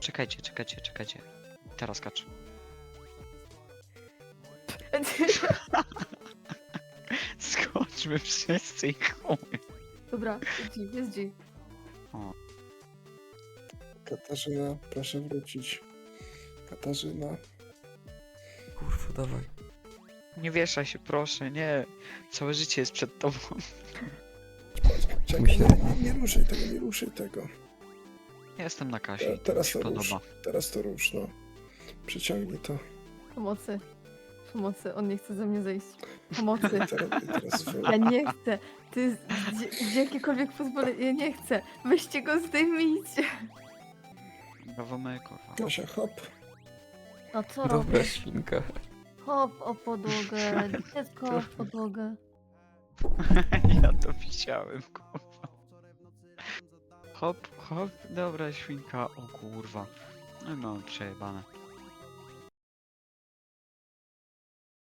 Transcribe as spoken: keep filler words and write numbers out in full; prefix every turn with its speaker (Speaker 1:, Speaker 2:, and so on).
Speaker 1: Czekajcie, czekajcie, czekajcie. Teraz kacz. Skoczmy wszyscy i chuj.
Speaker 2: Dobra, jest G, jest G.
Speaker 3: Katarzyna, proszę wrócić. Katarzyna.
Speaker 4: Kurwa, dawaj.
Speaker 1: Nie wieszaj się, proszę, nie. Całe życie jest przed tobą.
Speaker 3: Czekaj,
Speaker 4: Myślę-
Speaker 3: nie, nie, nie ruszaj tego, nie ruszaj tego.
Speaker 1: Jestem na kasie.
Speaker 3: Te- Teraz
Speaker 1: Mi
Speaker 3: to
Speaker 1: się
Speaker 3: rusz,
Speaker 1: podoba.
Speaker 3: teraz to rusz, no. Przyciągnij to.
Speaker 2: Pomocy. Pomocy, on nie chce ze mnie zejść. Pomocy.
Speaker 3: I teraz, i teraz wy...
Speaker 2: Ja nie chcę. Ty gdzie, gdzie jakiekolwiek pozwolenie. Ja nie chcę. Weźcie go, zdejmijcie.
Speaker 1: Brawo my, kurwa.
Speaker 3: Kasia, hop.
Speaker 2: A co
Speaker 4: Dobra
Speaker 2: robisz?
Speaker 4: świnka.
Speaker 2: Hop o podłogę. Dziecko o podłogę.
Speaker 1: Ja to widziałem, kurwa. Hop, hop, dobra świnka, o kurwa. No i mam przejebane.